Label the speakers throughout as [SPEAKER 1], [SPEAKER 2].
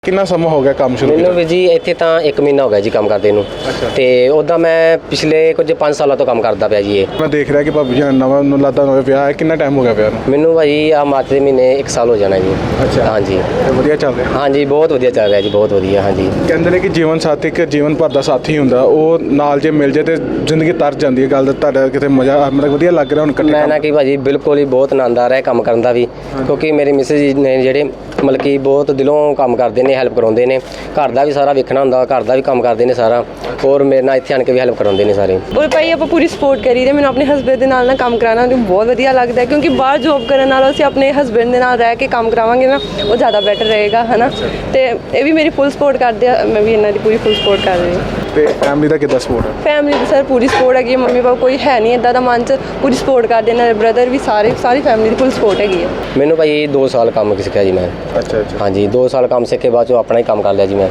[SPEAKER 1] ਕਿੰਨਾ ਸਮਾਂ ਹੋ ਗਿਆ ਕੰਮ ਸ਼ੁਰੂ
[SPEAKER 2] ਮੈਨੂੰ ਵੀ ਜੀ ਇੱਥੇ ਤਾਂ 1 ਮਹੀਨਾ ਹੋ ਗਿਆ ਜੀ ਕੰਮ ਕਰਦੇ ਨੂੰ। ਤੇ ਉੱਦਾਂ ਮੈਂ ਪਿਛਲੇ ਕੁਝ 5 ਸਾਲਾਂ ਤੋਂ ਕੰਮ ਕਰਦਾ ਪਿਆ ਜੀ। ਇਹ
[SPEAKER 1] ਮੈਂ ਦੇਖ ਰਿਹਾ ਕਿ ਭਾਬੀ ਜੀ ਨਵਾਂ ਨੂੰ ਲਾਦਾ ਨਵੇਂ ਵਿਆਹ ਹੈ। ਕਿੰਨਾ ਟਾਈਮ ਹੋ ਗਿਆ ਵਿਆਹ ਨੂੰ?
[SPEAKER 2] ਮੈਨੂੰ ਭਾਜੀ ਆ ਮਾਰਚ ਦੇ ਮਹੀਨੇ 1 ਸਾਲ ਹੋ ਜਾਣਾ ਜੀ।
[SPEAKER 1] ਅੱਛਾ
[SPEAKER 2] ਹਾਂਜੀ
[SPEAKER 1] ਤੇ ਵਧੀਆ ਚੱਲ ਰਿਹਾ?
[SPEAKER 2] ਹਾਂਜੀ ਬਹੁਤ ਵਧੀਆ ਚੱਲ ਰਿਹਾ ਜੀ, ਬਹੁਤ ਵਧੀਆ। ਹਾਂਜੀ
[SPEAKER 1] ਕਹਿੰਦੇ ਨੇ ਕਿ ਜੀਵਨ ਸਾਥੀ ਇੱਕ ਜੀਵਨ ਭਰ ਦਾ ਸਾਥੀ ਹੁੰਦਾ, ਉਹ ਨਾਲ ਜੇ ਮਿਲ ਜੇ ਤੇ ਜ਼ਿੰਦਗੀ ਤਰ ਜਾਂਦੀ ਹੈ। ਗੱਲ ਤੁਹਾਡਾ ਕਿਤੇ ਮਜ਼ਾ ਮਤਲਬ ਵਧੀਆ ਲੱਗ ਰਿਹਾ ਹੁਣ ਇਕੱਠੇ
[SPEAKER 2] ਮੈਂ ਨਾ ਕਿ ਭਾਜੀ ਬਿਲਕੁਲ ਹੀ ਬਹੁਤ ਆਨੰਦ ਆ ਰਿਹਾ ਕੰਮ ਕਰਨ ਦਾ ਵੀ, ਕਿਉਂਕਿ ਮੇਰੇ ਮਿਸਿਸ ਜੀ ਨੇ ਜਿਹੜੇ ਮਤਲਬ ਕਿ ਬਹੁਤ ਦਿਲੋਂ ਕੰਮ ਕਰਦੇ ਨੇ, ਹੈਲਪ ਕਰਾਉਂਦੇ ਨੇ। ਘਰ ਦਾ ਵੀ ਸਾਰਾ ਵੇਖਣਾ ਹੁੰਦਾ, ਘਰ ਦਾ ਵੀ ਕੰਮ ਕਰਦੇ ਨੇ ਸਾਰਾ, ਔਰ ਮੇਰੇ ਨਾਲ ਇੱਥੇ ਆਣ ਕੇ ਵੀ ਹੈਲਪ ਕਰਾਉਂਦੇ ਨੇ ਸਾਰੇ।
[SPEAKER 3] ਔਰ ਭਾਈ ਆਪਾਂ ਪੂਰੀ ਸਪੋਰਟ ਕਰੀ ਦੇ। ਮੈਨੂੰ ਆਪਣੇ ਹਸਬੈਂਡ ਦੇ ਨਾਲ ਕੰਮ ਕਰਾਉਣਾ ਮੈਨੂੰ ਬਹੁਤ ਵਧੀਆ ਲੱਗਦਾ, ਕਿਉਂਕਿ ਬਾਹਰ ਜੋਬ ਕਰਨ ਨਾਲੋਂ ਅਸੀਂ ਆਪਣੇ ਹਸਬੈਂਡ ਦੇ ਨਾਲ ਰਹਿ ਕੇ ਕੰਮ ਕਰਾਵਾਂਗੇ ਨਾ, ਉਹ ਜ਼ਿਆਦਾ ਬੈਟਰ ਰਹੇਗਾ, ਹੈ ਨਾ। ਤੇ ਇਹ ਵੀ ਮੇਰੀ ਫੁੱਲ ਸਪੋਰਟ ਕਰਦੇ ਆ, ਮੈਂ ਵੀ ਇਹਨਾਂ ਦੀ ਪੂਰੀ ਫੁੱਲ ਸਪੋਰਟ ਕਰ ਰਹੀ ਹਾਂ।
[SPEAKER 1] ਤੇ ਫੈਮਿਲੀ ਦਾ ਕਿੱਦਾਂ ਸਪੋਰਟ ਹੈ?
[SPEAKER 3] ਫੈਮਿਲੀ ਦੀ ਸਰ ਪੂਰੀ ਸਪੋਰਟ ਹੈਗੀ ਹੈ। ਮੰਮੀ ਪਾਪਾ ਕੋਈ ਹੈ ਨਹੀਂ ਇੱਦਾਂ ਦਾ ਮਨ 'ਚ, ਪੂਰੀ ਸਪੋਰਟ ਕਰਦੇ ਨੇ। ਬ੍ਰਦਰ ਵੀ ਸਾਰੀ ਫੈਮਿਲੀ ਦੀ ਫੁੱਲ ਸਪੋਰਟ ਹੈਗੀ ਹੈ।
[SPEAKER 2] ਮੈਨੂੰ ਭਾਈ 2 ਸਾਲ ਕੰਮ ਸਿੱਖਿਆ ਜੀ ਮੈਂ।
[SPEAKER 1] ਅੱਛਾ
[SPEAKER 2] ਹਾਂਜੀ 2 ਸਾਲ ਕੰਮ ਸਿੱਖ ਕੇ ਬਾਅਦ 'ਚੋਂ ਆਪਣਾ ਹੀ ਕੰਮ ਕਰ ਲਿਆ ਜੀ ਮੈਂ।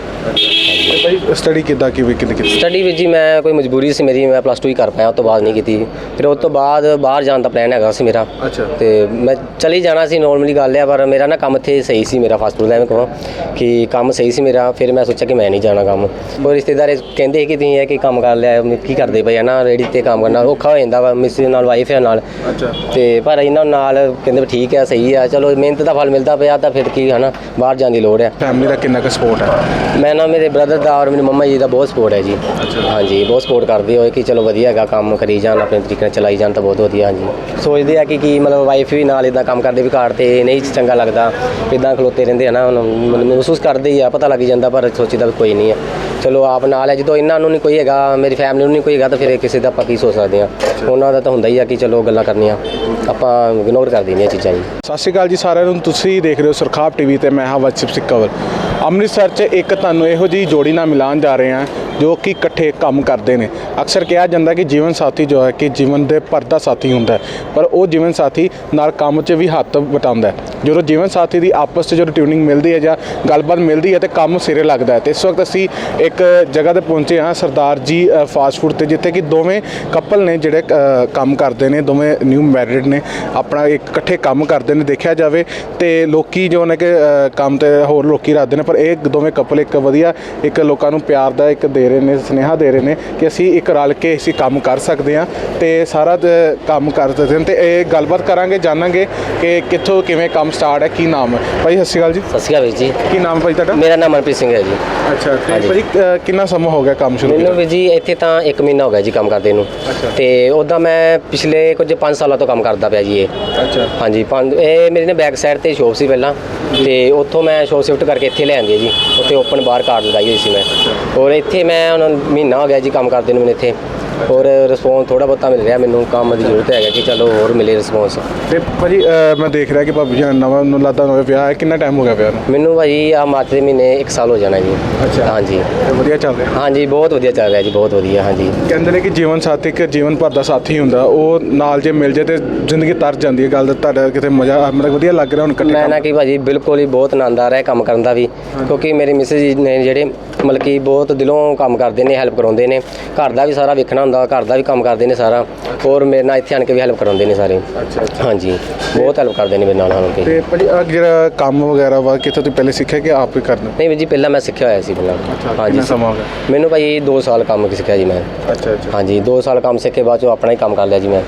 [SPEAKER 1] ਭਾਈ ਸਟੱਡੀ ਕਿੱਦਾਂ ਕੀਤੀ?
[SPEAKER 2] ਸਟੱਡੀ ਵਿੱਚ ਜੀ ਮੈਂ ਕੋਈ ਮਜਬੂਰੀ ਸੀ ਮੇਰੀ, ਮੈਂ +2 ਹੀ ਕਰ ਪਾਇਆ, ਉਸ ਤੋਂ ਬਾਅਦ ਨਹੀਂ ਕੀਤੀ। ਫਿਰ ਉਸ ਤੋਂ ਬਾਅਦ ਬਾਹਰ ਜਾਣ ਦਾ ਪਲਾਨ ਹੈਗਾ ਸੀ ਮੇਰਾ।
[SPEAKER 1] ਅੱਛਾ
[SPEAKER 2] ਤੇ ਮੈਂ ਚਲੀ ਜਾਣਾ ਸੀ, ਨੋਰਮਲੀ ਗੱਲ ਹੈ, ਪਰ ਮੇਰਾ ਨਾ ਕੰਮ ਇੱਥੇ ਸਹੀ ਸੀ, ਮੇਰਾ ਫਾਸਟ ਫੂਡ ਦਾ ਐਵੇਂ ਕਹਾਂ ਕਿ ਕੰਮ ਸਹੀ ਸੀ ਮੇਰਾ। ਫਿਰ ਮੈਂ ਸੋਚਿਆ ਕਿ ਮੈਂ ਨਹੀਂ ਜਾਣਾ ਕੰਮ। ਉਹ ਰਿਸ਼ਤੇਦਾਰ ਕਹਿੰਦੇ ਕਿ ਤੁਸੀਂ ਇਹ ਕਿ ਕੰਮ ਕਰ ਲਿਆ, ਕੀ ਕਰਦੇ ਪਏ ਹੈ ਨਾ, ਰੇਹੜੀ 'ਤੇ ਕੰਮ ਕਰਨਾ ਔਖਾ ਹੋ ਜਾਂਦਾ ਵਾ, ਮਿਸਿਸ ਨਾਲ ਵਾਈਫ ਹੈ ਨਾਲ।
[SPEAKER 1] ਅੱਛਾ
[SPEAKER 2] ਤੇ ਪਰ ਇਹਨਾਂ ਨਾਲ ਕਹਿੰਦੇ ਠੀਕ ਹੈ, ਸਹੀ ਆ, ਚਲੋ ਮਿਹਨਤ ਦਾ ਫਲ ਮਿਲਦਾ ਪਿਆ ਤਾਂ ਫਿਰ ਕੀ ਹੈ ਨਾ, ਬਾਹਰ ਜਾਣ ਦੀ ਲੋੜ ਹੈ।
[SPEAKER 1] ਫੈਮਿਲੀ ਦਾ ਕਿੰਨਾ ਕੁ ਸਪੋਰਟ ਹੈ?
[SPEAKER 2] ਮੈਂ ਨਾ ਮੇਰੇ ਬ੍ਰਦਰ ਦਾ ਔਰ ਮੇਰੀ ਮੰਮਾ ਜੀ ਦਾ ਬਹੁਤ ਸਪੋਰਟ ਹੈ ਜੀ। ਹਾਂਜੀ ਬਹੁਤ ਸਪੋਰਟ ਕਰਦੇ ਹੋਏ ਕਿ ਚਲੋ ਵਧੀਆ ਹੈਗਾ, ਕੰਮ ਕਰੀ ਜਾਣ, ਆਪਣੇ ਤਰੀਕੇ ਨਾਲ ਚਲਾਈ ਜਾਣ ਤਾਂ ਬਹੁਤ ਵਧੀਆ। ਹਾਂਜੀ ਸੋਚਦੇ ਆ ਕਿ ਮਤਲਬ ਵਾਈਫ ਵੀ ਨਾਲ ਇੱਦਾਂ ਕੰਮ ਕਰਦੇ ਵੀ ਘਰ 'ਤੇ ਨਹੀਂ ਚੰਗਾ ਲੱਗਦਾ, ਇੱਦਾਂ ਖਲੋਤੇ ਰਹਿੰਦੇ ਹੈ ਨਾ, ਮਹਿਸੂਸ ਕਰਦੇ ਹੀ ਆ, ਪਤਾ ਲੱਗ ਜਾਂਦਾ, ਪਰ ਸੋਚੀਦਾ ਵੀ ਕੋਈ ਨਹੀਂ ਹੈ, ਚਲੋ ਆਪ ਨਾਲ ਹੈ। ਜਦੋਂ ਇਹਨਾਂ ਨੂੰ ਨਹੀਂ ਕੋਈ ਹੈਗਾ, ਮੇਰੀ ਫੈਮਿਲੀ ਨੂੰ ਨਹੀਂ ਕੋਈ ਹੈਗਾ, ਤਾਂ ਫਿਰ ਕਿਸੇ ਦਾ ਆਪਾਂ ਕੀ ਸੋਚ ਸਕਦੇ ਹਾਂ। ਉਹਨਾਂ ਦਾ ਤਾਂ ਹੁੰਦਾ ਹੀ ਆ ਕਿ ਚਲੋ ਗੱਲਾਂ ਕਰਨੀਆਂ, ਆਪਾਂ ਇਗਨੋਰ ਕਰ ਦਿੰਦੇ ਹਾਂ ਚੀਜ਼ਾਂ ਜੀ।
[SPEAKER 1] ਸਤਿ ਸ਼੍ਰੀ ਅਕਾਲ ਜੀ ਸਾਰਿਆਂ ਨੂੰ। ਤੁਸੀਂ ਦੇਖ ਰਹੇ ਹੋ ਸੁਰਖਾਬ ਟੀਵੀ ਤੇ ਮੈਂ ਹਾਂ ਵਤਸਿਪ ਸਿੰਘ ਕੰਵਲ। ਅੰਮ੍ਰਿਤਸਰ 'ਚ ਇੱਕ ਤੁਹਾਨੂੰ ਇਹੋ ਜਿਹੀ ਜੋੜੀ ਨਾਲ ਮਿਲਾਉਣ ਜਾ ਰਹੇ ਹਾਂ ਜੋ ਕਿ ਇਕੱਠੇ ਕੰਮ ਕਰਦੇ ਨੇ। ਅਕਸਰ ਕਿਹਾ ਜਾਂਦਾ ਕਿ ਜੀਵਨ ਸਾਥੀ ਜੋ ਹੈ ਕਿ ਜੀਵਨ ਦੇ ਭਰ ਦਾ ਸਾਥੀ ਹੁੰਦਾ, ਪਰ ਉਹ ਜੀਵਨ ਸਾਥੀ ਨਾਲ ਕੰਮ 'ਚ ਵੀ ਹੱਥ ਵਟਾਉਂਦਾ। ਜਦੋਂ ਜੀਵਨ ਸਾਥੀ ਦੀ ਆਪਸ 'ਚ ਜਦੋਂ ਟਿਊਨਿੰਗ ਮਿਲਦੀ ਹੈ ਜਾਂ ਗੱਲਬਾਤ ਮਿਲਦੀ ਹੈ ਤਾਂ ਕੰਮ ਸਿਰੇ ਲੱਗਦਾ ਹੈ। ਤੇ ਇਸ ਵਕਤ ਅਸੀਂ ਇੱਕ ਜਗ੍ਹਾ 'ਤੇ ਪਹੁੰਚੇ ਹਾਂ, ਸਰਦਾਰ ਜੀ ਫਾਸਟ ਫੂਡ 'ਤੇ, ਜਿੱਥੇ ਕਿ ਦੋਵੇਂ ਕਪਲ ਨੇ ਜਿਹੜੇ ਕੰਮ ਕਰਦੇ ਨੇ, ਦੋਵੇਂ ਨਿਊ ਮੈਰਿਡ ਨੇ, ਆਪਣਾ ਇਕੱਠੇ ਕੰਮ ਕਰਦੇ ਨੇ। ਦੇਖਿਆ ਜਾਵੇ ਤੇ ਲੋਕੀ ਜੋ ਨੇ ਕਿ ਕੰਮ 'ਤੇ ਹੋਰ ਲੋਕੀ ਰੱਖਦੇ ਨੇ, ਪਰ ਇਹ ਦੋਵੇਂ ਕਪਲ ਇੱਕ ਵਧੀਆ ਇੱਕ ਲੋਕਾਂ ਨੂੰ ਪਿਆਰ ਦਾ ਇੱਕ ਦੇ ਰਹੇ ਨੇ, ਸੁਨੇਹਾ ਦੇ ਰਹੇ ਨੇ ਕਿ ਅਸੀਂ ਇੱਕ ਰਲ ਕੇ ਅਸੀਂ ਕੰਮ ਕਰ ਸਕਦੇ ਹਾਂ ਤੇ ਸਾਰਾ ਕੰਮ ਕਰ ਸਕਦੇ ਹਾਂ। ਤੇ ਇਹ ਗੱਲਬਾਤ ਕਰਾਂਗੇ, ਜਾਣਾਂਗੇ ਕਿ ਕਿੱਥੋਂ ਕਿਵੇਂ ਕੰਮ ਸਟਾਰਟ ਹੈ, ਕੀ ਨਾਮ ਹੈ। ਭਾਈ ਸਤਿ ਸ਼੍ਰੀ ਅਕਾਲ ਜੀ।
[SPEAKER 2] ਸਤਿ ਸ਼੍ਰੀ ਅਕਾਲ ਵੀਰ ਜੀ।
[SPEAKER 1] ਕੀ ਨਾਮ ਹੈ ਭਾਈ ਤੁਹਾਡਾ?
[SPEAKER 2] ਮੇਰਾ ਨਾਮ ਮਨਪ੍ਰੀਤ ਸਿੰਘ ਹੈ ਜੀ।
[SPEAKER 1] ਅੱਛਾ ਤੇ ਭਾਈ ਕਿੰਨਾ ਸਮਾਂ ਹੋ ਗਿਆ ਕੰਮ ਸ਼ੁਰੂ?
[SPEAKER 2] ਮੈਨੂੰ ਵੀ ਜੀ ਇੱਥੇ ਤਾਂ 1 ਮਹੀਨਾ ਹੋ ਗਿਆ ਜੀ ਕੰਮ ਕਰਦੇ ਨੂੰ। ਤੇ ਉੱਦਾਂ ਮੈਂ ਪਿਛਲੇ ਕੁਝ 5 ਸਾਲਾਂ ਤੋਂ ਕੰਮ ਕਰਦਾ ਪਿਆ ਜੀ। ਇਹ
[SPEAKER 1] ਅੱਛਾ
[SPEAKER 2] ਹਾਂਜੀ ਇਹ ਮੇਰੀ ਨਾ ਬੈਕ ਸਾਈਡ 'ਤੇ ਸ਼ੋਪ ਸੀ ਪਹਿਲਾਂ, ਤੇ ਉੱਥੋਂ ਮੈਂ ਸ਼ੋਪ ਸ਼ਿਫਟ ਕਰਕੇ ਇੱਥੇ ਲੈ ਆਂਦੀ ਜੀ। ਉੱਥੇ ਓਪਨ ਬਾਹਰ ਕਾਰਡ ਲਗਾਈ ਹੋਈ ਸੀ ਮੈਂ, ਔਰ ਇੱਥੇ ਮੈਂ ਹੁਣ ਮਹੀਨਾ ਹੋ ਗਿਆ ਜੀ ਕੰਮ ਕਰਦੇ ਨੂੰ ਮੈਨੂੰ ਇੱਥੇ, ਔਰ ਰਿਸਪੌਂਸ ਥੋੜ੍ਹਾ ਬਹੁਤਾ ਮਿਲ ਰਿਹਾ ਮੈਨੂੰ। ਕੰਮ ਦੀ ਜ਼ਰੂਰਤ ਹੈਗਾ ਕਿ ਚਲੋ ਹੋਰ ਮਿਲੇ ਰਿਸਪੌਂਸ।
[SPEAKER 1] ਤੇ ਭਾਜੀ ਮੈਂ ਦੇਖ ਰਿਹਾ ਕਿ ਭਾਬੀ ਜੀ ਨਵਾਂ ਨੂੰ ਲਾਦਾ ਨਵੇਂ ਵਿਆਹ ਹੈ। ਕਿੰਨਾ ਟਾਈਮ ਹੋ ਗਿਆ ਵਿਆਹ ਨੂੰ?
[SPEAKER 2] ਮੈਨੂੰ ਭਾਜੀ ਆ ਮਾਰਚ ਦੇ ਮਹੀਨੇ 1 ਸਾਲ ਹੋ ਜਾਣਾ ਜੀ।
[SPEAKER 1] ਅੱਛਾ
[SPEAKER 2] ਹਾਂਜੀ
[SPEAKER 1] ਤੇ ਵਧੀਆ ਚੱਲ ਰਿਹਾ?
[SPEAKER 2] ਹਾਂਜੀ ਬਹੁਤ ਵਧੀਆ ਚੱਲ ਰਿਹਾ ਜੀ, ਬਹੁਤ ਵਧੀਆ। ਹਾਂਜੀ
[SPEAKER 1] ਕਹਿੰਦੇ ਨੇ ਕਿ ਜੀਵਨ ਸਾਥੀ ਇੱਕ ਜੀਵਨ ਭਰ ਦਾ ਸਾਥੀ ਹੁੰਦਾ, ਉਹ ਨਾਲ ਜੇ ਮਿਲ ਜੇ ਤੇ ਜ਼ਿੰਦਗੀ ਤਰ ਜਾਂਦੀ ਹੈ। ਗੱਲ ਤੁਹਾਡਾ ਕਿਤੇ ਮਜ਼ਾ ਮਤਲਬ ਵਧੀਆ ਲੱਗ ਰਿਹਾ ਹੁਣ ਇਕੱਠੇ?
[SPEAKER 2] ਮੈਂ ਨਾ ਕਿ ਭਾਜੀ ਬਿਲਕੁਲ ਹੀ ਬਹੁਤ ਆਨੰਦ ਆ ਰਿਹਾ ਕੰਮ ਕਰਨ ਦਾ ਵੀ, ਕਿਉਂਕਿ ਮੇਰੇ ਮਿਸਿਸ ਜੀ ਨੇ ਜਿਹੜੇ ਮਤਲਬ ਕਿ ਬਹੁਤ ਦਿਲੋਂ ਕੰਮ ਕਰਦੇ ਨੇ, ਹੈਲਪ ਕਰਾਉਂਦੇ ਨੇ। ਘਰ ਦਾ ਵੀ ਸਾਰਾ ਵੇਖਣਾ ਹੁੰਦਾ, ਘਰ ਦਾ ਵੀ ਕੰਮ ਕਰਦੇ ਨੇ ਸਾਰਾ, ਔਰ ਮੇਰੇ ਨਾਲ ਇੱਥੇ ਆਣ ਕੇ ਵੀ ਹੈਲਪ ਕਰਾਉਂਦੇ ਨੇ ਸਾਰੇ।
[SPEAKER 1] ਅੱਛਾ
[SPEAKER 2] ਹਾਂਜੀ ਬਹੁਤ ਹੈਲਪ ਕਰਦੇ ਨੇ ਮੇਰੇ ਨਾਲ ਆਣ ਕੇ।
[SPEAKER 1] ਤੇ ਭਾਜੀ ਜਿਹੜਾ ਕੰਮ ਵਗੈਰਾ ਵਾ ਕਿੱਥੋਂ ਤੁਸੀਂ ਪਹਿਲੇ ਸਿੱਖਿਆ ਕਿ ਆਪ ਹੀ ਕਰਨਾ?
[SPEAKER 2] ਨਹੀਂ ਵੀਰ ਜੀ ਪਹਿਲਾਂ ਮੈਂ ਸਿੱਖਿਆ ਹੋਇਆ ਸੀ ਪਹਿਲਾਂ। ਹਾਂਜੀ
[SPEAKER 1] ਕਿੰਨਾ ਸਮਾਂ ਹੋ ਗਿਆ?
[SPEAKER 2] ਮੈਨੂੰ ਭਾਈ 2 ਸਾਲ ਕੰਮ ਸਿੱਖਿਆ ਜੀ ਮੈਂ।
[SPEAKER 1] ਅੱਛਾ
[SPEAKER 2] ਹਾਂਜੀ 2 ਸਾਲ ਕੰਮ ਸਿੱਖ ਕੇ ਬਾਅਦ 'ਚੋਂ ਆਪਣਾ ਹੀ ਕੰਮ ਕਰ ਲਿਆ ਜੀ ਮੈਂ।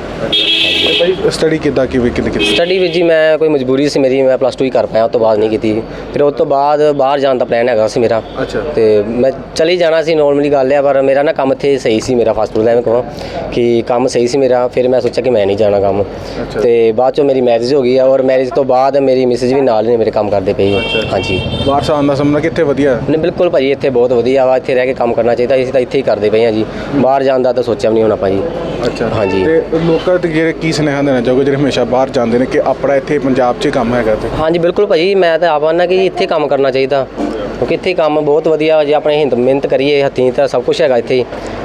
[SPEAKER 1] ਤੇ ਭਾਈ ਸਟੱਡੀ ਕਿੱਦਾਂ ਕੀਤੀ?
[SPEAKER 2] ਸਟੱਡੀ ਵਿੱਚ ਜੀ ਮੈਂ ਕੋਈ ਮਜਬੂਰੀ ਸੀ ਮੇਰੀ, ਮੈਂ +2 ਹੀ ਕਰ ਪਾਇਆ, ਉਸ ਤੋਂ ਬਾਅਦ ਨਹੀਂ ਕੀਤੀ। ਫਿਰ ਉਸ ਤੋਂ ਬਾਅਦ ਬਾਹਰ ਜਾਣ ਦਾ ਪਲਾਨ ਹੈਗਾ ਸੀ ਮੇਰਾ।
[SPEAKER 1] ਅੱਛਾ
[SPEAKER 2] ਤੇ ਮੈਂ ਚਲੀ ਜਾਣਾ ਸੀ, ਨੋਰਮਲੀ ਗੱਲ ਹੈ, ਪਰ ਮੇਰਾ ਨਾ ਕੰਮ ਇੱਥੇ ਸਹੀ ਸੀ, ਮੇਰਾ ਫਾਸਟ ਫੂਡ ਦਾ ਐਵੇਂ ਕਹਾਂ ਕਿ ਕੰਮ ਸਹੀ ਸੀ ਮੇਰਾ। ਫਿਰ ਮੈਂ ਸੋਚਿਆ ਕਿ ਮੈਂ ਨਹੀਂ ਜਾਣਾ ਕੰਮ। ਤੇ ਬਾਅਦ 'ਚੋਂ ਮੇਰੀ ਮੈਰਿਜ ਹੋ ਗਈ ਆ, ਔਰ ਮੈਰਿਜ ਤੋਂ ਬਾਅਦ ਮੇਰੀ ਮਿਸਿਸ ਵੀ ਨਾਲ ਨੇ ਮੇਰੇ ਕੰਮ ਕਰਦੇ ਪਈ। ਹਾਂਜੀ
[SPEAKER 1] ਬਾਹਰ ਆਉਣ ਦਾ ਸਮਝਣਾ ਕਿੱਥੇ ਵਧੀਆ?
[SPEAKER 2] ਨਹੀਂ ਬਿਲਕੁਲ ਭਾਜੀ ਇੱਥੇ ਬਹੁਤ ਵਧੀਆ ਵਾ, ਇੱਥੇ ਰਹਿ ਕੇ ਕੰਮ ਕਰਨਾ ਚਾਹੀਦਾ। ਅਸੀਂ ਤਾਂ ਇੱਥੇ ਹੀ ਕਰਦੇ ਪਏ ਹਾਂ ਜੀ, ਬਾਹਰ ਜਾਣ ਦਾ ਤਾਂ ਸੋਚਿਆ ਵੀ ਨਹੀਂ ਹੋਣਾ ਭਾਜੀ।
[SPEAKER 1] ਅੱਛਾ
[SPEAKER 2] ਹਾਂਜੀ
[SPEAKER 1] ਤੇ ਲੋਕਾਂ ਤੇ ਜਿਹੜੇ ਕੀ ਸੁਨੇਹਾ ਦੇਣਾ ਚਾਹੋਗੇ ਜਿਹੜੇ ਹਮੇਸ਼ਾ ਬਾਹਰ ਜਾਂਦੇ ਨੇ ਕਿ ਆਪਣਾ ਇੱਥੇ ਪੰਜਾਬ 'ਚ ਕੰਮ ਹੈਗਾ? ਤੇ
[SPEAKER 2] ਹਾਂਜੀ ਬਿਲਕੁਲ ਭਾਜੀ ਮੈਂ ਤਾਂ ਆਪ ਆਨਾ ਕਿ ਇੱਥੇ ਕੰਮ ਕਰਨਾ ਚਾਹੀਦਾ, ਕਿਉਂਕਿ ਇੱਥੇ ਕੰਮ ਬਹੁਤ ਵਧੀਆ। ਜੇ ਆਪਣੇ ਮਿਹਨਤ ਕਰੀਏ ਹੱਥੀਂ ਤਾਂ ਸਭ ਕੁਝ ਹੈਗਾ ਇੱਥੇ,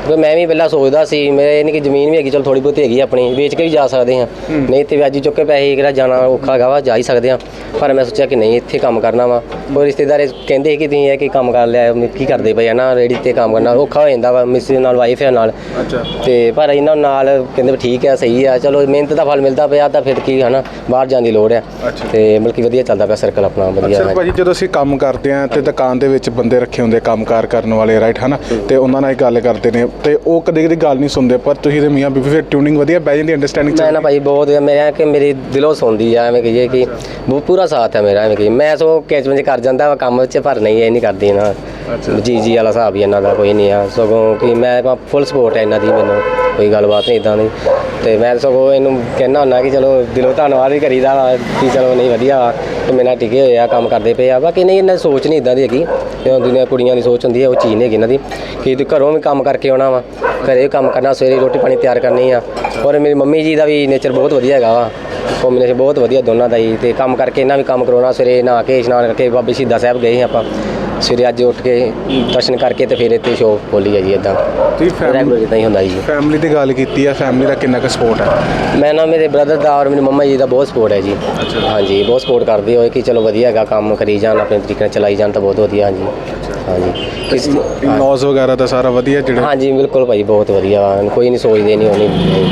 [SPEAKER 2] ਕਿਉਂਕਿ ਮੈਂ ਵੀ ਪਹਿਲਾਂ ਸੋਚਦਾ ਸੀ ਮੇਰੇ ਨਹੀਂ ਕਿ ਜ਼ਮੀਨ ਵੀ ਹੈਗੀ, ਚਲ ਥੋੜੀ ਬਹੁਤੀ ਹੈਗੀ ਆਪਣੀ, ਵੇਚ ਕੇ ਵੀ ਜਾ ਸਕਦੇ ਹਾਂ, ਨਹੀਂ ਤੇ ਵਿਆਜੀ ਚੁੱਕ ਕੇ ਪੈਸੇ ਕਿਹੜਾ ਜਾਣਾ ਔਖਾ ਹੈਗਾ ਵਾ, ਜਾ ਹੀ ਸਕਦੇ ਹਾਂ। ਪਰ ਮੈਂ ਸੋਚਿਆ ਕਿ ਨਹੀਂ, ਇੱਥੇ ਕੰਮ ਕਰਨਾ ਵਾ। ਕੋਈ ਰਿਸ਼ਤੇਦਾਰ ਕਹਿੰਦੇ ਕਿ ਤੁਸੀਂ ਇਹ ਕੀ ਕੰਮ ਕਰ ਲਿਆ, ਕੀ ਕਰਦੇ ਪਏ ਆ ਨਾ, ਰੇਹੜੀ ਤੇ ਕੰਮ ਕਰਨਾ ਔਖਾ ਹੋ ਜਾਂਦਾ ਵਾ, ਮਿਸਿਸ ਨਾਲ, ਵਾਈਫ ਹੈ ਨਾਲ। ਤੇ ਪਰ ਇਹਨਾਂ ਨਾਲ ਕਹਿੰਦੇ ਵੀ ਠੀਕ ਹੈ, ਸਹੀ ਆ, ਚਲੋ ਮਿਹਨਤ ਦਾ ਫਲ ਮਿਲਦਾ ਪਿਆ ਤਾਂ ਫਿਰ ਕੀ ਹੈ ਨਾ, ਬਾਹਰ ਜਾਣ ਦੀ ਲੋੜ ਆ। ਤੇ ਬਲਕਿ ਵਧੀਆ ਚੱਲਦਾ ਪਿਆ ਸਰਕਲ ਆਪਣਾ, ਵਧੀਆ।
[SPEAKER 1] ਭਾਜੀ ਜਦੋਂ ਅਸੀਂ ਕੰਮ ਕਰਦੇ ਹਾਂ ਤੇ ਦੁਕਾਨ ਦੇ ਵਿੱਚ ਬੰਦੇ ਰੱਖੇ ਹੁੰਦੇ ਕੰਮਕਾਰ ਕਰਨ ਵਾਲੇ, ਰਾਈਟ ਹੈ ਨਾ, ਤੇ ਉਹਨਾਂ ਨਾਲ ਗੱਲ ਕਰਦੇ ਨੇ ਤੇ ਉਹ ਕਦੇ ਕਦੇ ਗੱਲ ਨਹੀਂ ਸੁਣਦੇ, ਪਰ ਤੁਸੀਂ ਤੇ ਮੀਆਂ ਬੀਬੀ ਫਿਰ ਟਿਊਨਿੰਗ ਵਧੀਆ ਬਹਿ ਜਾਂਦੀ, ਅੰਡਰਸਟੈਂਡਿੰਗ।
[SPEAKER 2] ਮੈਂ ਨਾ ਭਾਈ ਬਹੁਤ ਮੇਰਾ ਕਿ ਮੇਰੀ ਦਿਲੋਂ ਸੁਣਦੀ ਆ, ਐਵੇਂ ਕਹੀਏ ਕਿ ਬਹੁਤ ਪੂਰਾ ਸਾਥ ਹੈ ਮੇਰਾ, ਐਵੇਂ ਕਹੀਏ ਮੈਂ ਸੋ ਕੈਚਮੈਂਟ ਕਰ ਜਾਂਦਾ ਵਾ ਕੰਮ 'ਚ, ਪਰ ਨਹੀਂ ਇਹ ਨਹੀਂ ਕਰਦੀ ਨਾ, ਜੀ ਵਾਲਾ ਹਿਸਾਬ ਹੀ ਇਹਨਾਂ ਦਾ ਕੋਈ ਨਹੀਂ ਆ। ਸਗੋਂ ਕਿ ਮੈਂ ਫੁੱਲ ਸਪੋਰਟ ਹੈ ਇਹਨਾਂ ਦੀ, ਮੈਨੂੰ ਕੋਈ ਗੱਲਬਾਤ ਨਹੀਂ ਇੱਦਾਂ ਦੀ। ਤੇ ਮੈਂ ਸਗੋਂ ਇਹਨੂੰ ਕਹਿਣਾ ਹੁੰਦਾ ਕਿ ਚਲੋ ਦਿਲੋਂ ਧੰਨਵਾਦ ਵੀ ਕਰੀਦਾ ਵਾ ਕਿ ਚਲੋ ਨਹੀਂ ਵਧੀਆ ਵਾ ਕਿ ਮੇਰੇ ਨਾਲ ਟਿਕੇ ਹੋਏ ਆ, ਕੰਮ ਕਰਦੇ ਪਏ ਆ। ਬਾਕੀ ਨਹੀਂ, ਇਹਨਾਂ ਦੀ ਸੋਚ ਨਹੀਂ ਇੱਦਾਂ ਦੀ ਹੈਗੀ, ਦੁਨੀਆ ਕੁੜੀਆਂ ਦੀ ਸੋਚ ਹੁੰਦੀ ਹੈ, ਉਹ ਚੀਜ਼ ਨਹੀਂ ਹੈਗੀ ਇਹਨਾਂ ਦੀ ਕਿ ਘਰੋਂ ਵੀ ਕੰਮ ਕਰਕੇ ਆਉਣਾ ਵਾ, ਘਰੇ ਵੀ ਕੰਮ ਕਰਨਾ, ਸਵੇਰੇ ਰੋਟੀ ਪਾਣੀ ਤਿਆਰ ਕਰਨੀ ਆ। ਔਰ ਮੇਰੀ ਮੰਮੀ ਜੀ ਦਾ ਵੀ ਨੇਚਰ ਬਹੁਤ ਵਧੀਆ ਹੈਗਾ ਵਾ, ਕੰਬੀਨੇਸ਼ਨ ਬਹੁਤ ਵਧੀਆ ਦੋਨਾਂ ਦਾ ਹੀ। ਤੇ ਕੰਮ ਕਰਕੇ ਇਹਨਾਂ ਵੀ ਕੰਮ ਕਰਾਉਣਾ, ਸਵੇਰੇ ਨਹਾ ਕੇ ਇਸ਼ਨਾਨ ਕਰਕੇ ਬਾਬੇ ਸ਼ਹੀਦਾਂ ਸਾਹਿਬ ਗਏ ਆਪਾਂ ਸਵੇਰੇ, ਅੱਜ ਉੱਠ ਕੇ ਦਰਸ਼ਨ ਕਰਕੇ ਤੇ ਫਿਰ ਇੱਥੇ ਸ਼ੋਪ ਖੋਲੀ ਹੈ ਜੀ। ਇੱਦਾਂ ਰੈਗੂਲਰ ਇੱਦਾਂ ਹੀ ਹੁੰਦਾ ਜੀ।
[SPEAKER 1] ਫੈਮਿਲੀ ਦੀ ਗੱਲ ਕੀਤੀ ਆ, ਫੈਮਿਲੀ ਦਾ ਕਿੰਨਾ ਕੁ ਸਪੋਰਟ ਹੈ?
[SPEAKER 2] ਮੈਂ ਨਾ ਮੇਰੇ ਬ੍ਰਦਰ ਦਾ ਔਰ ਮੇਰੀ ਮੰਮਾ ਜੀ ਦਾ ਬਹੁਤ ਸਪੋਰਟ ਹੈ ਜੀ। ਹਾਂਜੀ, ਬਹੁਤ ਸਪੋਰਟ ਕਰਦੇ ਹੋਏ ਕਿ ਚਲੋ ਵਧੀਆ ਹੈਗਾ, ਕੰਮ ਕਰੀ ਜਾਣ, ਆਪਣੇ ਤਰੀਕੇ ਨਾਲ ਚਲਾਈ ਜਾਣ ਤਾਂ ਬਹੁਤ ਵਧੀਆ। ਹਾਂਜੀ ਹਾਂਜੀ।
[SPEAKER 1] ਇਨ-ਲॉज ਵਗੈਰਾ ਦਾ ਸਾਰਾ ਵਧੀਆ ਜਿਹੜੇ?
[SPEAKER 2] ਹਾਂਜੀ ਬਿਲਕੁਲ ਭਾਈ, ਬਹੁਤ ਵਧੀਆ ਵਾ, ਕੋਈ ਨਹੀਂ ਸੋਚਦੇ ਨਹੀਂ ਹੋਣੀ।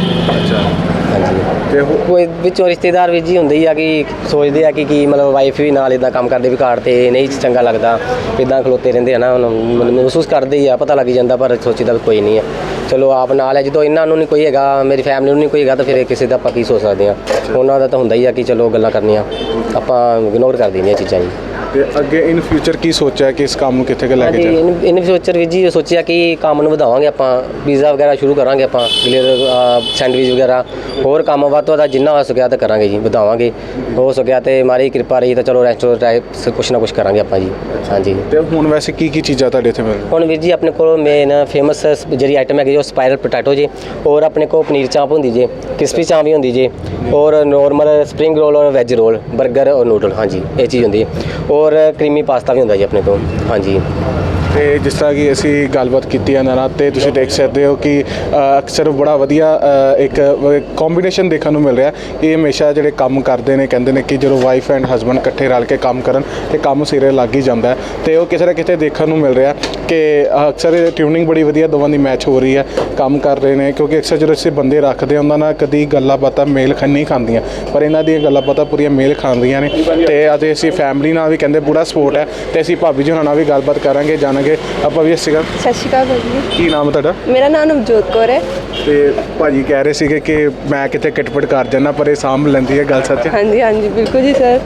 [SPEAKER 2] ਹਾਂਜੀ, ਤੇ ਕੋਈ ਵਿੱਚੋਂ ਰਿਸ਼ਤੇਦਾਰ ਵੀ ਜੀ ਹੁੰਦੇ ਹੀ ਆ ਕਿ ਸੋਚਦੇ ਆ ਕਿ ਮਤਲਬ ਵਾਈਫ ਵੀ ਨਾਲ ਇੱਦਾਂ ਕੰਮ ਕਰਦੇ ਵੀ ਘਰ ਤੇ ਨਹੀਂ ਚੰਗਾ ਲੱਗਦਾ, ਇੱਦਾਂ ਖਲੋਤੇ ਰਹਿੰਦੇ ਆ ਨਾ, ਉਹਨਾਂ ਮਹਿਸੂਸ ਕਰਦੇ ਹੀ ਆ, ਪਤਾ ਲੱਗ ਜਾਂਦਾ, ਪਰ ਸੋਚੀਦਾ ਵੀ ਕੋਈ ਨਹੀਂ ਆ, ਚਲੋ ਆਪ ਨਾਲ ਹੈ। ਜਦੋਂ ਇਹਨਾਂ ਨੂੰ ਨਹੀਂ ਕੋਈ ਹੈਗਾ, ਮੇਰੀ ਫੈਮਿਲੀ ਨੂੰ ਨਹੀਂ ਕੋਈ ਹੈਗਾ, ਤਾਂ ਫਿਰ ਕਿਸੇ ਦਾ ਆਪਾਂ ਕੀ ਸੋਚ ਸਕਦੇ ਹਾਂ। ਉਹਨਾਂ ਦਾ ਤਾਂ ਹੁੰਦਾ ਹੀ ਆ ਕਿ ਚਲੋ ਗੱਲਾਂ ਕਰਨੀਆਂ, ਆਪਾਂ ਇਗਨੋਰ ਕਰ ਦਿੰਦੇ ਹਾਂ ਚੀਜ਼ਾਂ ਜੀ।
[SPEAKER 1] ਤੇ ਅੱਗੇ ਇਨ ਫਿਊਚਰ ਕੀ ਸੋਚਿਆ ਕਿ ਇਸ ਕੰਮ ਨੂੰ ਕਿੱਥੇ ਕੁ ਲੈ ਕੇ ਜਾਣਾ?
[SPEAKER 2] ਇਨ ਫਿਊਚਰ ਵੀ ਜੀ ਸੋਚਿਆ ਕਿ ਕੰਮ ਨੂੰ ਵਧਾਵਾਂਗੇ, ਆਪਾਂ ਪੀਜ਼ਾ ਵਗੈਰਾ ਸ਼ੁਰੂ ਕਰਾਂਗੇ, ਆਪਾਂ ਸੈਂਡਵਿਚ ਵਗੈਰਾ, ਹੋਰ ਕੰਮ ਵੱਧ ਤੋਂ ਵੱਧ ਜਿੰਨਾ ਹੋ ਸਕਿਆ ਤਾਂ ਕਰਾਂਗੇ ਜੀ, ਵਧਾਵਾਂਗੇ। ਹੋ ਸਕਿਆ ਤੇ ਮਾਰੀ ਕਿਰਪਾ ਰਹੀ ਤਾਂ ਚਲੋ ਰੈਸਟੋਰੈਂਟ ਟਾਈਪ ਕੁਛ ਨਾ ਕੁਛ ਕਰਾਂਗੇ ਆਪਾਂ ਜੀ। ਹਾਂਜੀ।
[SPEAKER 1] ਤੇ ਹੁਣ ਵੈਸੇ ਕੀ ਕੀ ਚੀਜ਼ਾਂ ਤੁਹਾਡੇ ਇੱਥੇ ਮਿਲ?
[SPEAKER 2] ਹੁਣ ਵੀਰ ਜੀ ਆਪਣੇ ਕੋਲ ਮੇਨ ਫੇਮਸ ਜਿਹੜੀ ਆਈਟਮ ਹੈਗੀ ਉਹ ਸਪਾਇਰਲ ਪੋਟੈਟੋ ਜੀ, ਔਰ ਆਪਣੇ ਕੋਲ ਪਨੀਰ ਚਾਂਪ ਹੁੰਦੀ ਜੇ, ਕ੍ਰਿਸਪੀ ਚਾਂਪ ਵੀ ਹੁੰਦੀ ਜੇ, ਔਰ ਨੋਰਮਲ ਸਪਰਿੰਗ ਰੋਲ ਔਰ ਵੈਜ ਰੋਲ, 버ਗਰ ਔਰ ਨੂਡਲ, ਹਾਂਜੀ ਇਹ ਚੀਜ਼ ਹੁੰਦੀ ਹੈ। ਔਰ ਕਰੀਮੀ ਪਾਸਤਾ ਵੀ ਹੁੰਦਾ ਜੀ ਆਪਣੇ ਕੋਲ। ਹਾਂਜੀ।
[SPEAKER 1] ਤੇ ਜਿਸ ਤਰ੍ਹਾਂ ਕਿ ਅਸੀਂ ਗੱਲਬਾਤ ਕੀਤੀ ਇਹਨਾਂ ਨਾਲ, ਤੇ ਤੁਸੀਂ ਦੇਖ ਸਕਦੇ ਹੋ ਕਿ ਅਕਸਰ ਬੜਾ ਵਧੀਆ ਇੱਕ ਕੰਬੀਨੇਸ਼ਨ ਦੇਖਣ ਨੂੰ ਮਿਲ ਰਿਹਾ। ਇਹ ਹਮੇਸ਼ਾ ਜਿਹੜੇ ਕੰਮ ਕਰਦੇ ਨੇ ਕਹਿੰਦੇ ਨੇ ਕਿ ਜਦੋਂ ਵਾਈਫ ਐਂਡ ਹਸਬੈਂਡ ਇਕੱਠੇ ਰਲ ਕੇ ਕੰਮ ਕਰਨ ਤੇ ਕੰਮ ਸਿਰੇ ਲੱਗ ਹੀ ਜਾਂਦਾ ਹੈ। ਤੇ ਉਹ ਕਿਸੇ ਨਾ ਕਿਤੇ ਦੇਖਣ ਨੂੰ ਮਿਲ ਰਿਹਾ ਕਿ ਅਕਸਰ ਟਿਊਨਿੰਗ ਬੜੀ ਵਧੀਆ ਦੋਵਾਂ ਦੀ ਮੈਚ ਹੋ ਰਹੀ ਹੈ, ਕੰਮ ਕਰ ਰਹੇ ਨੇ। ਕਿਉਂਕਿ ਅਕਸਰ ਜਦੋਂ ਅਸੀਂ ਬੰਦੇ ਰੱਖਦੇ ਉਹਨਾਂ ਨਾਲ ਕਦੀ ਗੱਲਾਂ ਬਾਤਾਂ ਮੇਲ ਨਹੀਂ ਖਾਂਦੀਆਂ, ਪਰ ਇਹਨਾਂ ਦੀਆਂ ਗੱਲਾਂ ਬਾਤਾਂ ਪੂਰੀਆਂ ਮੇਲ ਖਾਂਦੀਆਂ ਨੇ। ਤੇ ਅਤੇ ਅਸੀਂ ਫੈਮਿਲੀ ਨਾਲ ਵੀ ਕਹਿੰਦੇ ਪੂਰਾ ਸਪੋਰਟ ਹੈ। ਤੇ ਅਸੀਂ ਭਾਬੀ ਜੀ ਉਹਨਾਂ ਨਾਲ ਵੀ ਗੱਲਬਾਤ ਕਰਾਂਗੇ, ਜਾਣਾਂਗੇ। ਆਪਾਂ ਵੀ ਸਤਿ
[SPEAKER 3] ਸ਼੍ਰੀ ਅਕਾਲ ਭਾਜੀ।
[SPEAKER 1] ਕੀ ਨਾਮ ਹੈ ਤੁਹਾਡਾ?
[SPEAKER 3] ਮੇਰਾ ਨਾਮ ਨਵਜੋਤ ਕੌਰ ਹੈ।
[SPEAKER 1] ਤੇ ਭਾਜੀ ਕਹਿ ਰਹੇ ਸੀਗੇ ਕਿ ਮੈਂ ਕਿਤੇ ਕਿਟਪਟ ਕਰ ਜਾਣਾ, ਪਰ ਇਹ ਸਾਂਭ ਲੈਂਦੀ ਹੈ, ਗੱਲ ਸੱਚ ਹੈ?
[SPEAKER 3] ਹਾਂਜੀ ਹਾਂਜੀ ਬਿਲਕੁਲ ਜੀ ਸਰ।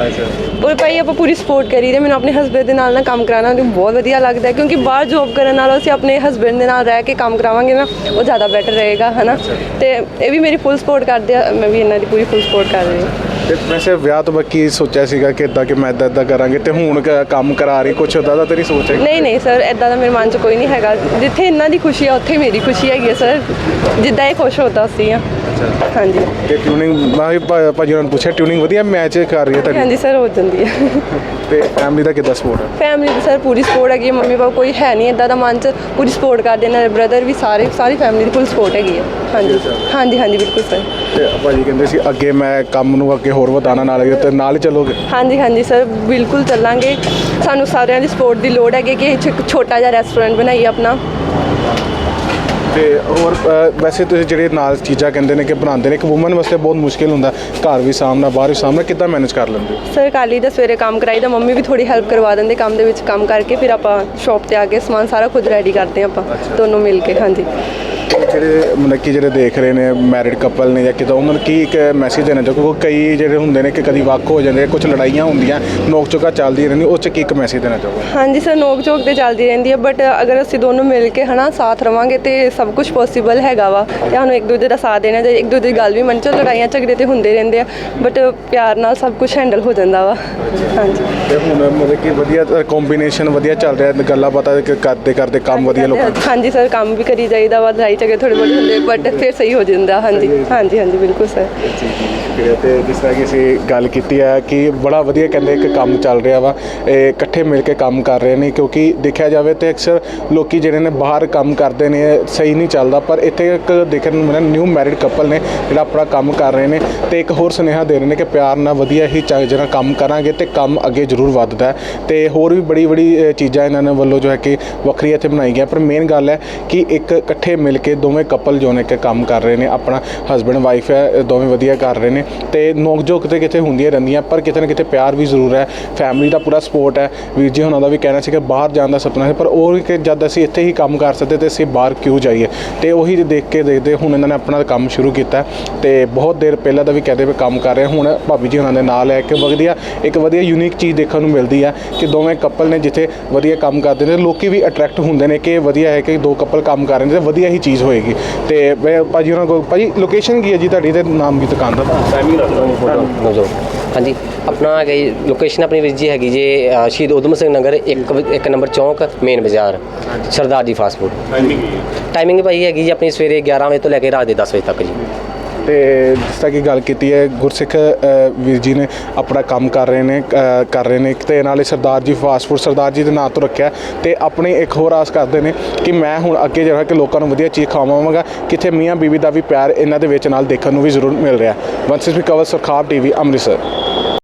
[SPEAKER 3] ਔਰ ਭਾਈ ਆਪਾਂ ਪੂਰੀ ਸਪੋਰਟ ਕਰੀ ਦੇ। ਮੈਨੂੰ ਆਪਣੇ ਹਸਬੈਂਡ ਦੇ ਨਾਲ ਕੰਮ ਕਰਾਉਣਾ ਬਹੁਤ ਵਧੀਆ ਲੱਗਦਾ, ਕਿਉਂਕਿ ਬਾਹਰ ਜੋਬ ਕਰਨ ਨਾਲੋਂ ਅਸੀਂ ਆਪਣੇ ਹਸਬੈਂਡ ਦੇ ਨਾਲ ਰਹਿ ਕੇ ਕੰਮ ਕਰਾਵਾਂਗੇ ਨਾ, ਉਹ ਜ਼ਿਆਦਾ ਬੈਟਰ ਰਹੇਗਾ, ਹੈ ਨਾ। ਤੇ ਇਹ ਵੀ ਮੇਰੀ ਫੁੱਲ ਸਪੋਰਟ ਕਰਦੇ ਆ, ਮੈਂ ਵੀ ਇਹਨਾਂ ਦੀ ਪੂਰੀ ਫੁੱਲ ਸਪੋਰਟ ਕਰ ਰਹੀ ਹਾਂ।
[SPEAKER 1] ਤੇ ਵੈਸੇ ਵਿਆਹ ਤੋਂ ਬਾਅਦ ਕੀ ਸੋਚਿਆ ਸੀਗਾ ਕਿ ਇੱਦਾਂ ਕਿ ਮੈਂ ਇੱਦਾਂ ਕਰਾਂਗੇ, ਤੇ ਹੁਣ ਕੰਮ ਕਰਾ ਰਹੀ, ਕੁਛ ਉੱਦਾਂ ਦਾ ਤੇਰੀ ਸੋਚ ਹੈ?
[SPEAKER 3] ਨਹੀਂ ਸਰ, ਇੱਦਾਂ ਦਾ ਮੇਰੇ ਮਨ 'ਚ ਕੋਈ ਨਹੀਂ ਹੈਗਾ। ਜਿੱਥੇ ਇਹਨਾਂ ਦੀ ਖੁਸ਼ੀ ਆ ਉੱਥੇ ਮੇਰੀ ਖੁਸ਼ੀ ਹੈਗੀ ਹੈ ਸਰ, ਜਿੱਦਾਂ ਇਹ ਖੁਸ਼ ਹੁੰਦਾ ਸੀ ਆ। ਹਾਂਜੀ। ਤੇ
[SPEAKER 1] ਟਿਊਨਿੰਗ ਮੈਂ ਵੀ ਭਾਜੀ ਉਹਨਾਂ ਨੂੰ ਪੁੱਛਿਆ, ਟਿਊਨਿੰਗ ਵਧੀਆ ਮੈਚ ਕਰ ਰਹੀ ਹੈ ਤੁਹਾਡੀ?
[SPEAKER 3] ਹਾਂਜੀ ਸਰ, ਹੋ ਜਾਂਦੀ ਹੈ।
[SPEAKER 1] ਤੇ ਫੈਮਿਲੀ ਦਾ ਕਿੱਦਾਂ ਸਪੋਰਟ ਹੈ?
[SPEAKER 3] ਫੈਮਿਲੀ ਦੀ ਸਰ ਪੂਰੀ ਸਪੋਰਟ ਹੈਗੀ ਹੈ। ਮੰਮੀ ਪਾਪਾ ਕੋਈ ਹੈ ਨਹੀਂ ਇੱਦਾਂ ਦਾ ਮਨ 'ਚ, ਪੂਰੀ ਸਪੋਰਟ ਕਰਦੇ ਨੇ। ਬ੍ਰਦਰ ਵੀ, ਸਾਰੀ ਫੈਮਿਲੀ ਦੀ ਫੁੱਲ ਸਪੋਰਟ ਹੈਗੀ ਹੈ। ਹਾਂਜੀ ਬਿਲਕੁਲ ਸਰ।
[SPEAKER 1] ਤੇ ਭਾਜੀ ਕਹਿੰਦੇ ਸੀ ਅੱਗੇ ਮੈਂ ਕੰਮ ਨੂੰ ਅੱਗੇ ਹੋਰ ਵਧਾਉਣਾ, ਨਾਲ ਹੀ ਚੱਲੋਗੇ? ਹਾਂਜੀ
[SPEAKER 3] ਸਰ, ਬਿਲਕੁਲ ਚੱਲਾਂਗੇ। ਸਾਨੂੰ ਸਾਰਿਆਂ ਦੀ ਸਪੋਰਟ ਦੀ ਲੋੜ ਹੈਗੀ ਕਿ ਇੱਕ ਛੋਟਾ ਜਿਹਾ ਰੈਸਟੋਰੈਂਟ ਬਣਾਈਏ ਆਪਣਾ।
[SPEAKER 1] ਤੇ ਹੋਰ ਵੈਸੇ ਤੁਸੀਂ ਜਿਹੜੇ ਨਾਲ ਚੀਜ਼ਾਂ ਕਹਿੰਦੇ ਨੇ ਕਿ ਬਣਾਉਂਦੇ ਨੇ, ਇੱਕ ਵੂਮਨ ਵਾਸਤੇ ਬਹੁਤ ਮੁਸ਼ਕਿਲ ਹੁੰਦਾ, ਘਰ ਵੀ ਸਾਹਮਣਾ ਬਾਹਰ ਵੀ ਸਾਹਮਣਾ, ਕਿੱਦਾਂ ਮੈਨੇਜ ਕਰ ਲੈਂਦੇ?
[SPEAKER 3] ਸਰ ਕਾਲੀ ਦਾ ਸਵੇਰੇ ਕੰਮ ਕਰਾਈਦਾ, ਮੰਮੀ ਵੀ ਥੋੜੀ ਹੈਲਪ ਕਰਵਾ ਦਿੰਦੇ ਕੰਮ ਦੇ ਵਿੱਚ। ਕੰਮ ਕਰਕੇ ਫਿਰ ਆਪਾਂ ਸ਼ੌਪ ਤੇ ਆ ਕੇ ਸਮਾਨ ਸਾਰਾ ਖੁਦ ਰੈਡੀ ਕਰਦੇ ਹਾਂ ਆਪਾਂ ਦੋਨੋਂ ਮਿਲ ਕੇ। ਹਾਂਜੀ।
[SPEAKER 1] ਜਿਹੜੇ ਮਤਲਬ ਕਿ ਜਿਹੜੇ ਦੇਖ ਰਹੇ ਨੇ ਮੈਰਿਡ ਕਪਲ ਨੇ ਜਾਂ ਕਿੱਦਾਂ, ਉਹਨਾਂ ਨੂੰ ਕੀ ਇੱਕ ਮੈਸੇਜ ਦੇਣਾ ਚਾਹੋ? ਕਿਉਂਕਿ ਕਈ ਜਿਹੜੇ ਹੁੰਦੇ ਨੇ ਕਿ ਕਦੀ ਵੱਖ ਹੋ ਜਾਂਦੇ, ਕੁਝ ਲੜਾਈਆਂ ਹੁੰਦੀਆਂ, ਨੋਕ ਝੋਕਾ ਚੱਲਦੀ ਰਹਿੰਦੀ, ਉਸ 'ਚ ਕੀ ਇੱਕ ਮੈਸੇਜ ਦੇਣਾ ਚਾਹੋਗੇ? ਹਾਂਜੀ
[SPEAKER 3] ਸਰ, ਨੋਕ ਝੋਕ ਤੇ ਚੱਲਦੀ ਰਹਿੰਦੀ ਹੈ, ਬਟ ਅਗਰ ਅਸੀਂ ਦੋਨੋਂ ਮਿਲ ਕੇ ਹੈ ਨਾ ਸਾਥ ਰਵਾਂਗੇ ਤੇ ਸਭ ਕੁਝ ਪੋਸੀਬਲ ਹੈਗਾ ਵਾ। ਤੇ ਸਾਨੂੰ ਇੱਕ ਦੂਜੇ ਦਾ ਸਾਥ ਦੇਣਾ ਚਾਹੀਦਾ, ਇੱਕ ਦੂਜੇ ਦੀ ਗੱਲ ਵੀ ਮੰਨ। ਚੋ ਲੜਾਈਆਂ ਝਗੜੇ ਤੇ ਹੁੰਦੇ ਰਹਿੰਦੇ ਆ, ਬਟ ਪਿਆਰ ਨਾਲ ਸਭ ਕੁਝ ਹੈਂਡਲ ਹੋ ਜਾਂਦਾ ਵਾ। ਹਾਂਜੀ।
[SPEAKER 1] ਤੇ ਹੁਣ ਮਤਲਬ ਕਿ ਵਧੀਆ ਕੰਬੀਨੇਸ਼ਨ ਵਧੀਆ ਚੱਲ ਰਿਹਾ, ਗੱਲਾਂ ਬਾਤਾਂ ਕਰਦੇ ਕੰਮ ਵਧੀਆ ਲੋਕਾਂ?
[SPEAKER 3] ਹਾਂਜੀ ਸਰ, ਕੰਮ ਵੀ ਕਰੀ ਜਾਈਦਾ ਵਾ, ਲੜਾਈ ਝਗੜੇ ਥੋੜੇ ਬਹੁਤ ਹੁੰਦੇ, ਬਟ ਫਿਰ ਸਹੀ ਹੋ ਜਾਂਦਾ। ਹਾਂਜੀ ਬਿਲਕੁਲ ਸਰ।
[SPEAKER 1] ਪ੍ਰਤੀਕਿਰਿਆ ਤੇ ਜਿਸ ਤਰ੍ਹਾਂ ਕਿ ਅਸੀਂ ਗੱਲ ਕੀਤੀ ਹੈ ਕਿ ਬੜਾ ਵਧੀਆ ਕਹਿੰਦੇ ਇੱਕ ਕੰਮ ਚੱਲ ਰਿਹਾ ਵਾ, ਇਹ ਇਕੱਠੇ ਮਿਲ ਕੇ ਕੰਮ ਕਰ ਰਹੇ ਨੇ, ਕਿਉਂਕਿ ਦੇਖਿਆ ਜਾਵੇ ਤੇ ਅਕਸਰ ਲੋਕੀ ਜਿਹੜੇ ਨੇ ਬਾਹਰ ਕੰਮ ਕਰਦੇ ਨੇ ਸਹੀ ਨਹੀਂ ਚੱਲਦਾ, ਪਰ ਇੱਥੇ ਇੱਕ ਦੇਖਣ ਨੂੰ ਮਿਲਿਆ ਨਿਊ ਮੈਰਿਡ ਕਪਲ ਨੇ ਜਿਹੜਾ ਆਪਣਾ ਕੰਮ ਕਰ ਰਹੇ ਨੇ ਤੇ ਇੱਕ ਹੋਰ ਸੁਨੇਹਾ ਦੇ ਰਹੇ ਨੇ ਕਿ ਪਿਆਰ ਨਾਲ ਵਧੀਆ ਹੀ ਜਿਹੜਾ ਕੰਮ ਕਰਾਂਗੇ ਤੇ ਕੰਮ ਅੱਗੇ ਜ਼ਰੂਰ ਵੱਧਦਾ ਹੈ। ਤੇ ਹੋਰ ਵੀ ਬੜੀ ਚੀਜ਼ਾਂ ਇਹਨਾਂ ਨੇ ਵੱਲੋਂ ਜੋ ਹੈ ਕਿ ਵੱਖਰੀ ਇੱਥੇ ਬਣਾਈ ਗਿਆ, ਪਰ ਮੇਨ ਗੱਲ ਹੈ ਕਿ ਇੱਕ ਇਕੱਠੇ ਮਿਲ ਕੇ ਦੋਵੇਂ ਕਪਲ ਜੋ ਨੇ ਕਿ ਕੰਮ ਕਰ ਰਹੇ ਨੇ, ਆਪਣਾ ਹਸਬੈਂਡ ਵਾਈਫ ਹੈ ਦੋਵੇਂ ਵਧੀਆ ਕਰ ਰਹੇ ਨੇ ਤੇ ਨੋਕ ਝੋਕ ਤੇ ਕਿਤੇ ਹੁੰਦੀਆਂ ਰਹਿੰਦੀਆਂ, ਪਰ ਕਿਤੇ ਨਾ ਕਿਤੇ ਪਿਆਰ ਵੀ ਜ਼ਰੂਰ ਹੈ, ਫੈਮਿਲੀ ਦਾ ਪੂਰਾ ਸਪੋਰਟ ਹੈ। ਵੀਰ ਜੀ ਉਹਨਾਂ ਦਾ ਵੀ ਕਹਿਣਾ ਸੀ ਕਿ ਬਾਹਰ ਜਾਣ ਦਾ ਸੁਪਨਾ ਹੈ, ਪਰ ਉਹ ਕਿ ਜਦ ਅਸੀਂ ਇੱਥੇ ਹੀ ਕੰਮ ਕਰ ਸਕਦੇ ਤੇ ਅਸੀਂ ਬਾਹਰ ਕਿਉਂ ਜਾਈਏ, ਤੇ ਉਹੀ ਦੇਖ ਕੇ ਦੇਖਦੇ ਹੁਣ ਇਹਨਾਂ ਨੇ ਆਪਣਾ ਕੰਮ ਸ਼ੁਰੂ ਕੀਤਾ ਤੇ ਬਹੁਤ ਦੇਰ ਪਹਿਲਾਂ ਦਾ ਵੀ ਕਹਿੰਦੇ ਵੀ ਕੰਮ ਕਰ ਰਹੇ, ਹੁਣ ਭਾਬੀ ਜੀ ਉਹਨਾਂ ਦੇ ਨਾਲ ਹੈ ਕਿ ਇੱਕ ਵਧੀਆ ਯੂਨੀਕ ਚੀਜ਼ ਦੇਖਣ ਨੂੰ ਮਿਲਦੀ ਹੈ ਕਿ ਦੋਵੇਂ ਕਪਲ ਨੇ ਜਿੱਥੇ ਵਧੀਆ ਕੰਮ ਕਰਦੇ ਨੇ ਲੋਕੀ ਵੀ ਅਟਰੈਕਟ ਹੁੰਦੇ ਨੇ ਕਿ ਵਧੀਆ ਹੈ ਕਿ ਦੋ ਕਪਲ ਕੰਮ ਕਰ ਰਹੇ ਨੇ ਤੇ ਵਧੀਆ ਹੀ ਚੀਜ਼ ਹੋਏਗੀ। ਤੇ ਮੈਂ ਭਾਜੀ ਉਹਨਾਂ ਕੋਲ, ਭਾਜੀ ਲੋਕੇਸ਼ਨ ਕੀ ਹੈ ਜੀ ਤੁਹਾਡੀ ਤੇ ਨਾਮ ਕੀ ਦੁਕਾਨ ਦਾ, ਟਾਈਮਿੰਗ
[SPEAKER 2] ਨੌਜੋ ਹਾਂਜੀ ਆਪਣਾ ਹੈਗਾ ਲੋਕੇਸ਼ਨ ਆਪਣੀ ਵੀਰ ਜੀ ਹੈਗੀ ਜੇ ਸ਼ਹੀਦ ਊਧਮ ਸਿੰਘ ਨਗਰ 1 ਨੰਬਰ ਚੌਂਕ ਮੇਨ ਬਾਜ਼ਾਰ ਸਰਦਾਰ ਜੀ ਫਾਸਟ ਫੂਡ। ਟਾਈਮਿੰਗ ਭਾਈ ਹੈਗੀ ਜੀ ਆਪਣੀ ਸਵੇਰੇ 11 ਵਜੇ ਤੋਂ ਲੈ ਕੇ ਰਾਤ ਦੇ 10 ਵਜੇ ਤੱਕ ਜੀ।
[SPEAKER 1] ਤੇ ਜਿਸ ਤਰ੍ਹਾਂ ਕਿ ਗੱਲ ਕੀਤੀ ਹੈ ਗੁਰਸਿੱਖ ਵੀਰ ਜੀ ਨੇ ਆਪਣਾ ਕੰਮ ਕਰ ਰਹੇ ਨੇ ਤੇ ਨਾਲੇ ਸਰਦਾਰ ਜੀ ਫਾਸਟ ਫੂਡ ਸਰਦਾਰ ਜੀ ਦੇ ਨਾਂ ਤੋਂ ਰੱਖਿਆ ਤੇ ਆਪਣੀ ਇੱਕ ਹੋਰ ਆਸ ਕਰਦੇ ਨੇ ਕਿ ਮੈਂ ਹੁਣ ਅੱਗੇ ਜਿਹੜਾ ਕਿ ਲੋਕਾਂ ਨੂੰ ਵਧੀਆ ਚੀਜ਼ ਖਵਾਵਾਂਗਾ, ਕਿੱਥੇ ਮੀਆਂ ਬੀਵੀ ਦਾ ਵੀ ਪਿਆਰ ਇਹਨਾਂ ਦੇ ਵਿੱਚ ਨਾਲ ਦੇਖਣ ਨੂੰ ਵੀ ਜ਼ਰੂਰ ਮਿਲ ਰਿਹਾ। ਵੰਸਿਸ ਵੀ ਕਵਰ ਸਰਖਾਬ TV ਅੰਮ੍ਰਿਤਸਰ।